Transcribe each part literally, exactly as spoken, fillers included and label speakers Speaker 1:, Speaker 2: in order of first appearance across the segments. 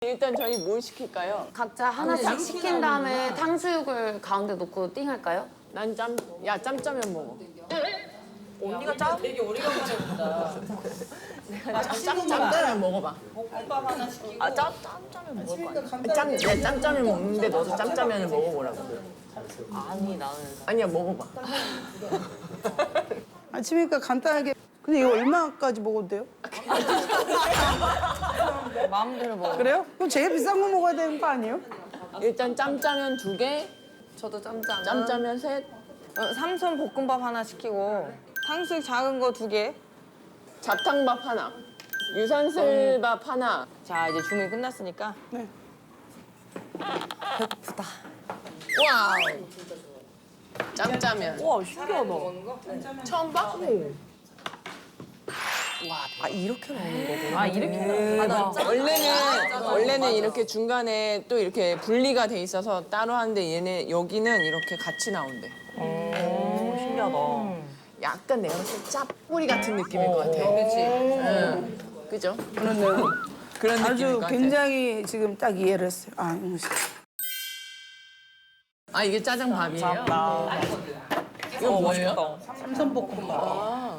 Speaker 1: 일단 저희 뭘 시킬까요?
Speaker 2: 각자 하나씩 시킨 다음에 탕수육을 가운데 놓고 띵 할까요?
Speaker 1: 난 짬, 야 짬짜면 먹어.
Speaker 3: 언니가 짜? 되게 오래간만에 본다.
Speaker 1: 짬, 짬짜면 먹어봐.
Speaker 3: 볶음밥 하나 시키고.
Speaker 1: 아 짬, 짬짜면 먹을 거 아니야? 짬, 내 짬짜면 먹는데 너도 짬짜면을 먹어보라고.
Speaker 3: 아니 나는.
Speaker 1: 아니야 먹어봐.
Speaker 4: 아침이니까 간단하게. 근데 이거 얼마까지 먹어도 돼요?
Speaker 3: 마음대로 먹어.
Speaker 4: 그래요? 그럼 제일 비싼 거 먹어야 되는 거 아니에요?
Speaker 1: 일단 짬짜면 두 개,
Speaker 2: 저도 짬짜면.
Speaker 1: 짬짜면 셋,
Speaker 3: 어, 삼선 볶음밥 하나 시키고 탕수육 작은 거 두 개.
Speaker 1: 잡탕밥 하나, 유산슬밥 하나.
Speaker 3: 자 이제 주문이 끝났으니까.
Speaker 4: 네.
Speaker 3: 배고프다.
Speaker 1: 와우. 짬짜면.
Speaker 3: 와 신기하다.
Speaker 1: 처음 봐?
Speaker 3: 아 이렇게 먹는 거구나.
Speaker 1: 아 이렇게
Speaker 3: 대박.
Speaker 1: 원래는 원래는 이렇게 중간에 또 이렇게 분리가 돼 있어서 따로 하는데 얘네 여기는 이렇게 같이 나온대.
Speaker 3: 오 신기하다.
Speaker 1: 약간 내가 봤을 때 짭뿌리 같은 느낌일 것 같아. 그렇지. 응. 그죠?
Speaker 4: 그런데요.
Speaker 1: 그런 느낌일
Speaker 4: 아주
Speaker 1: 것 같아.
Speaker 4: 굉장히 지금 딱 이해를 했어요. 아, 음.
Speaker 1: 아 이게 짜장밥이에요? 이거
Speaker 3: 어,
Speaker 1: 뭐예요?
Speaker 3: 맛있다.
Speaker 4: 삼선볶음밥.
Speaker 1: 아.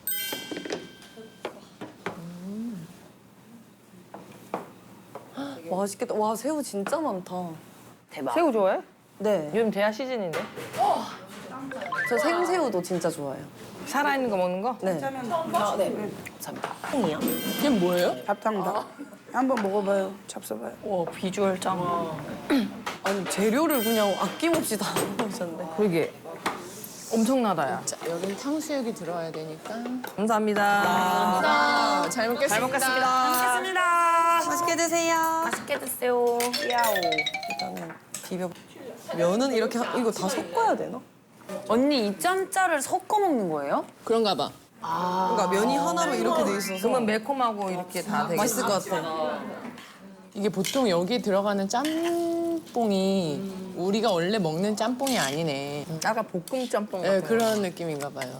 Speaker 2: 맛있겠다. 와, 새우 진짜 많다. 대박.
Speaker 3: 새우 좋아해?
Speaker 2: 네.
Speaker 3: 요즘 대하 시즌인데.
Speaker 2: 저 생새우도 진짜 좋아해요.
Speaker 3: 살아있는 거 먹는 거?
Speaker 2: 네. 아, 네. 감사합니다.
Speaker 1: 이게 뭐예요?
Speaker 4: 밥탕밥. 한번 먹어봐요. 잡숴봐요.
Speaker 3: 와 비주얼 짱.
Speaker 2: 아니, 재료를 그냥 아낌없이 다 넣으셨네.
Speaker 3: 그러게. 엄청나다 야.
Speaker 1: 자 여긴 탕수육이 들어야 되니까.
Speaker 3: 감사합니다.
Speaker 1: 아, 잘 먹겠습니다.
Speaker 3: 잘 먹겠습니다.
Speaker 2: 먹겠습니다. 맛있게 드세요. 맛있게 드세요.
Speaker 3: 야오.
Speaker 2: 일단은 비벼. 면은 이렇게 하- 이거 다 섞어야 되나? 언니 이 짬짜를 섞어 먹는 거예요?
Speaker 1: 그런가 봐.
Speaker 2: 그러니까 면이 하나로 이렇게 돼 있어서
Speaker 3: 그러면 매콤하고 이렇게 다 되겠다.
Speaker 2: 맛있을 것 같아.
Speaker 1: 이게 보통 여기 들어가는 짬뽕이 우리가 원래 먹는 짬뽕이 아니네.
Speaker 3: 약간 볶음 짬뽕
Speaker 1: 네,
Speaker 3: 같은
Speaker 1: 그런 느낌인가 봐요.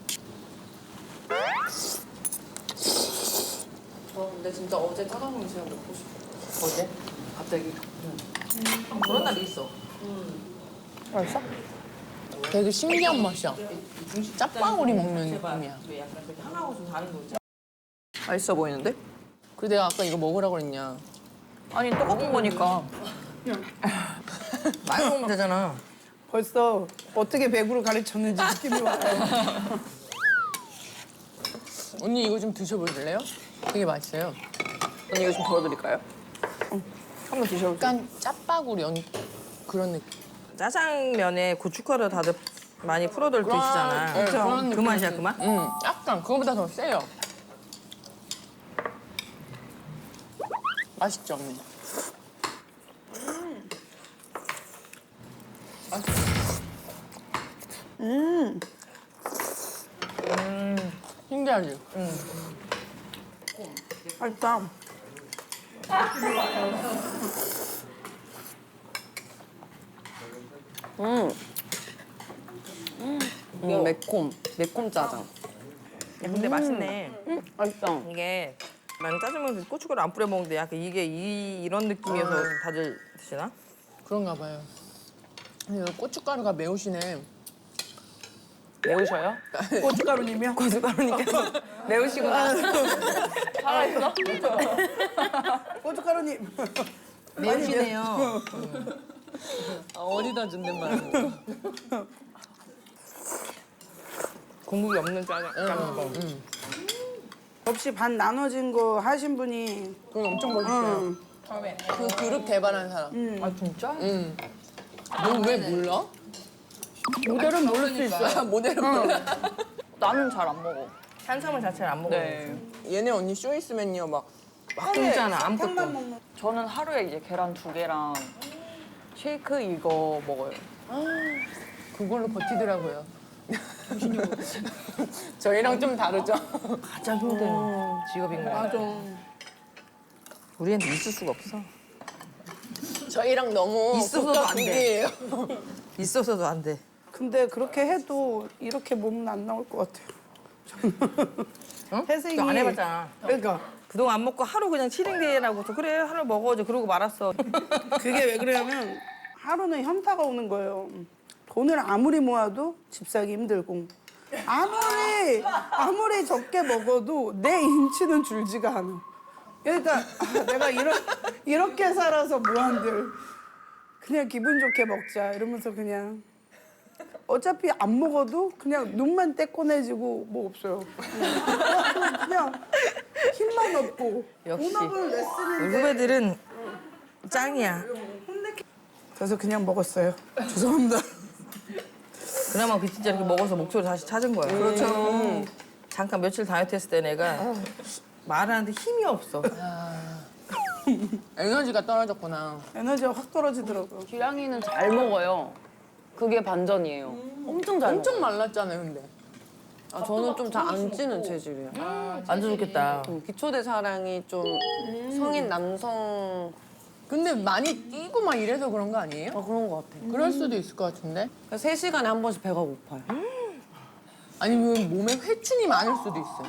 Speaker 2: 저 근데 진짜 어제 짜장면 진짜 먹고 싶어.
Speaker 3: 어제?
Speaker 2: 갑자기.
Speaker 3: 그런 날이 있어. 맛있어?
Speaker 1: 되게 신기한 맛이야. 짭방울이 먹는 느낌이야.
Speaker 3: 하나하고 좀 다른 거지. 맛있어 보이는데?
Speaker 1: 그리고 내가 아까 이거 먹으라고 그랬냐.
Speaker 3: 아니 똑같은 거니까. 많이 먹으면 되잖아.
Speaker 4: 벌써 어떻게 배구를 가르쳤는지 느낌이 와요.
Speaker 1: 언니 이거 좀 드셔보실래요? 되게 맛있어요.
Speaker 3: 언니 이거 좀 덜어드릴까요? 한번 드셔보세요.
Speaker 1: 약간 짭바구리 연 그런 느낌.
Speaker 3: 짜장면에 고춧가루 다들 많이 풀어들 드시잖아.
Speaker 1: 네, 그런
Speaker 3: 그
Speaker 1: 느낌.
Speaker 3: 맛이야 그 맛?
Speaker 1: 응, 약간 그거보다 더 세요. 맛있죠, 언니?
Speaker 4: 음.
Speaker 1: 음. 신기하지? 응.
Speaker 4: 맛있다.
Speaker 2: 음. 음, 매콤. 매콤 짜장.
Speaker 3: 야, 근데 맛있네.
Speaker 2: 맛있다.
Speaker 3: 이게 난 짜장면 고춧가루 안 뿌려 먹는데 약간 이게 이, 이런 느낌이어서 다들 드시나?
Speaker 1: 그런가 봐요. 근데 여기 고춧가루가 매우시네.
Speaker 3: 매우셔요?
Speaker 4: 고춧가루님이요?
Speaker 3: 고춧가루니까 매우시구나. 살아있어?
Speaker 4: 고춧가루님.
Speaker 3: 매우시네요.
Speaker 1: 아, 어디다 준댄 말이야.
Speaker 3: 국물이 없는 짜장. 짬뽕.
Speaker 1: 응.
Speaker 4: 접시 반 나눠진 거 하신 분이
Speaker 1: 그건 엄청 맛있어요.
Speaker 4: 응.
Speaker 1: 그 그룹 개발한 사람.
Speaker 3: 아 진짜?
Speaker 1: 응. 너 왜 몰라?
Speaker 4: 모델은 모를 수 있어요.
Speaker 1: 아, 모델은 몰라.
Speaker 2: 나는 잘 안 먹어.
Speaker 3: 탄수화물 자체를 안 먹어요.
Speaker 1: 얘네 언니 쇼 있으면요 막
Speaker 3: 막 끊잖아 아무것도.
Speaker 2: 저는 하루에 이제 계란 두 개랑 쉐이크 이거 먹어요.
Speaker 1: 그걸로 버티더라고요. 저희랑 좀 다르죠?
Speaker 3: 가장 힘든 직업인 거 같아. 우리한테 있을 수가 없어.
Speaker 1: 저희랑 너무
Speaker 3: 있어서도 안 돼.
Speaker 1: 국이에요.
Speaker 3: 있어서도 안 돼.
Speaker 4: 근데 그렇게 해도 이렇게 몸은 안 나올 것 같아요.
Speaker 3: 응?
Speaker 4: 태생이
Speaker 3: 그거 안 해봤잖아.
Speaker 4: 그러니까
Speaker 3: 그동안 안 먹고 하루 그냥 칠행대라고서 그래 하루 먹어줘 그러고 말았어.
Speaker 4: 그게 왜 그러냐면 하루는 현타가 오는 거예요. 돈을 아무리 모아도 집 사기 힘들고 아무리 아무리 적게 먹어도 내 인치는 줄지가 않아. 그러니까 아, 내가 이러, 이렇게 살아서 뭐한들 그냥 기분 좋게 먹자 이러면서 그냥 어차피 안 먹어도 그냥 눈만 떼꺼내지고 뭐 없어요. 그냥, 그냥 힘만 없고
Speaker 3: 역시.
Speaker 4: 본업은
Speaker 3: 우리
Speaker 4: 레슨인데
Speaker 3: 후배들은 짱이야.
Speaker 4: 그래서 그냥 먹었어요. 죄송합니다.
Speaker 3: 그나마 그 진짜 이렇게 먹어서 목소리 다시 찾은 거야. 그렇죠. 잠깐 며칠 다이어트 했을 때 내가 말하는데 힘이 없어.
Speaker 1: 에너지가 떨어졌구나.
Speaker 4: 에너지가 확 떨어지더라고요.
Speaker 2: 기량이는 잘 먹어요. 그게 반전이에요. 엄청 잘
Speaker 1: 엄청
Speaker 2: 먹어요.
Speaker 1: 말랐잖아요, 근데.
Speaker 2: 아, 저는 좀 잘 안 찌는 체질이에요.
Speaker 3: 완전 좋겠다.
Speaker 2: 음, 기초대사량이 좀 성인 남성
Speaker 1: 근데 많이 뛰고 막 이래서 그런 거 아니에요?
Speaker 2: 아, 그런 것 같아요.
Speaker 1: 그럴 수도 있을 것 같은데.
Speaker 2: 세 시간에 한 번씩 배가 고파요.
Speaker 1: 아니면 몸에 회충이 많을 수도 있어.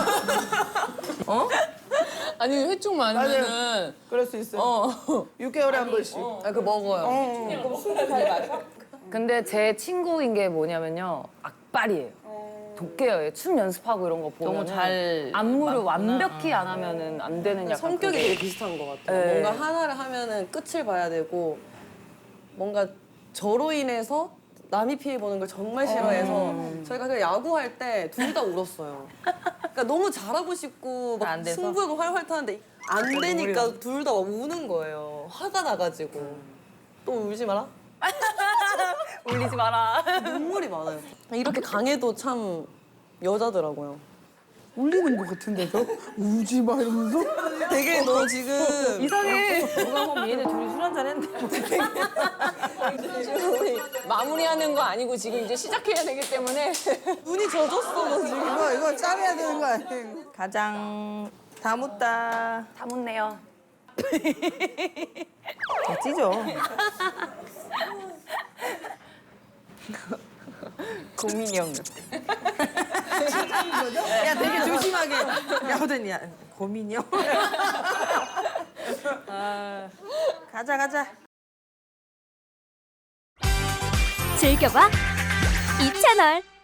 Speaker 1: 어? 아니 회충 많으면은
Speaker 4: 그럴 수 있어요.
Speaker 1: 어.
Speaker 4: 육 개월에 한 번씩.
Speaker 2: 아, 그 먹어요.
Speaker 4: 어.
Speaker 2: 근데 제 친구인 게 뭐냐면요. 악발이에요. 독해요. 춤 연습하고 이런 거 보면
Speaker 3: 너무 잘
Speaker 2: 안무를
Speaker 3: 맞구나.
Speaker 2: 완벽히 안 하면은 안 되는 약간
Speaker 5: 성격이
Speaker 2: 그게-
Speaker 5: 되게 비슷한 것 같아요.
Speaker 2: 네.
Speaker 5: 뭔가 하나를 하면은 끝을 봐야 되고 뭔가 저로 인해서 남이 피해 보는 걸 정말 싫어해서 저희가 그 야구할 때 둘 다 울었어요. 그러니까 너무 잘하고 싶고 막
Speaker 3: 안 돼서?
Speaker 5: 승부욕 활활 타는데 안 되니까 둘 다 막 우는 거예요. 화가 나가지고 또 울지 마라.
Speaker 2: 울리지 마라.
Speaker 5: 눈물이 많아요. 이렇게 강해도 참 여자더라고요.
Speaker 4: 울리는 것 같은데도 울지 마 이러면서.
Speaker 5: 되게 너 지금
Speaker 2: 이상해.
Speaker 3: 누가 보면 얘네 둘이 술 한잔 했는데.
Speaker 1: 마무리하는 거 아니고 지금 이제 시작해야 되기 때문에
Speaker 5: 눈이 젖었어 너 지금.
Speaker 4: 이거 이거 짜내야 되는 거 아니에요?
Speaker 3: 가장 다 묻다.
Speaker 2: 다 묻네요.
Speaker 3: 다 찢어.
Speaker 2: 고민이 형.
Speaker 3: 야 되게 조심하게. 야 호든이 야 고민이요. 아, 가자 가자.
Speaker 6: 즐겨봐 이 채널.